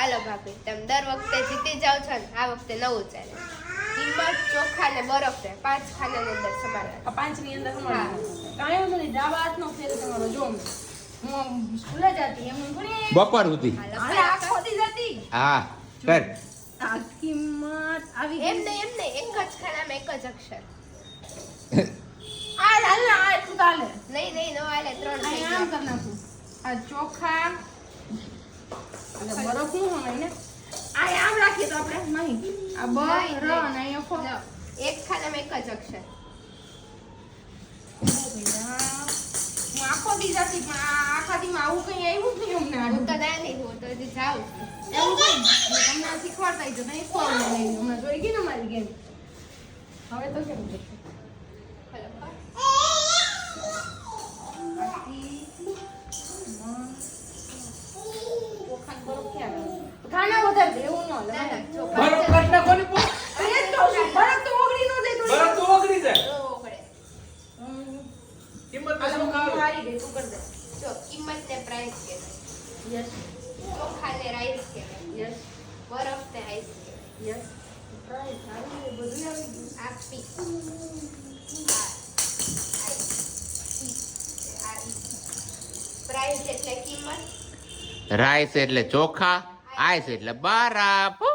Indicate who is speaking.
Speaker 1: હાલો ભાભી તમે દર વખતે જીતી જાવ છો ને આ વખતે નવું ચાલે કિંમત ચોખા ને બરફ ને 5 ખાનાની અંદર સમારવા
Speaker 2: આ 5 ની અંદર સમારવા કાંઈ વાંધો નહીં ડાબા હાથનો ફેર તમારો જો હું સ્કૂલે જતી એમ ઘણી
Speaker 3: બપોર સુધી
Speaker 2: હાલે આખો દી જતી
Speaker 3: હા કર
Speaker 2: આ કિંમત આવી
Speaker 1: એમ નહીં એક જ ખાનામાં એક જ અક્ષર
Speaker 2: આ હાલ ના આ એટલું ચાલે
Speaker 1: નહીં નો હાલે 3 થઈ
Speaker 2: આ આમ
Speaker 1: ગયા
Speaker 2: કર નાખું આ ચોખા અને બરફ નું હોય ને આ આમ રાખીએ તો આપણે નહીં આ બ
Speaker 1: નહીં,
Speaker 2: ર
Speaker 1: નહીં.
Speaker 2: અને અહીંયા ફો
Speaker 1: લો, એક ખાનામાં એક જ અક્ષર
Speaker 2: હું આખો દી જતી પણ આ આખા દીમાં આવું કઈ આવ્યું જ નહીં અમને
Speaker 1: હું તો નાની હું તો હજી જાઉં છું
Speaker 2: એવું કઈ તમને આ શીખવાડતા તો નહીં શીખવાડવું નહીં હમણાં જોઈ ગઈ ને મારી ગેમ હવે તો કેમ છે
Speaker 1: હાલો,
Speaker 2: ખાના વધારે દે, એવું ન હાલે.
Speaker 1: ના, ના, જો
Speaker 3: બરફ કાઢ નાખો ને પો.
Speaker 2: અરે જ કહું છું, બરફ તો ઓગળી ન જાય થોડી.
Speaker 3: બરફ તો ઓગળી જાય
Speaker 1: નો ઓગળે.
Speaker 3: કિંમત તો
Speaker 2: હાલો,
Speaker 3: શું
Speaker 2: હું
Speaker 3: ખાવે?
Speaker 2: હારી ગઈ, તું કર દે.
Speaker 1: જો કિંમત ને પ્રાઇસ કહેવાય
Speaker 2: Yes,
Speaker 1: ચોખા ને રાઈસ કહેવાય
Speaker 2: yes,
Speaker 1: બરફ ને આઈસ કહેવાય
Speaker 2: yes. Right, આવી ગયું, બધું આવી ગયું.
Speaker 1: આ પી પ્રાઇસ એટલે કિંમત
Speaker 3: રાઈસ એટલે ચોખા આઈસ એટલે બરફ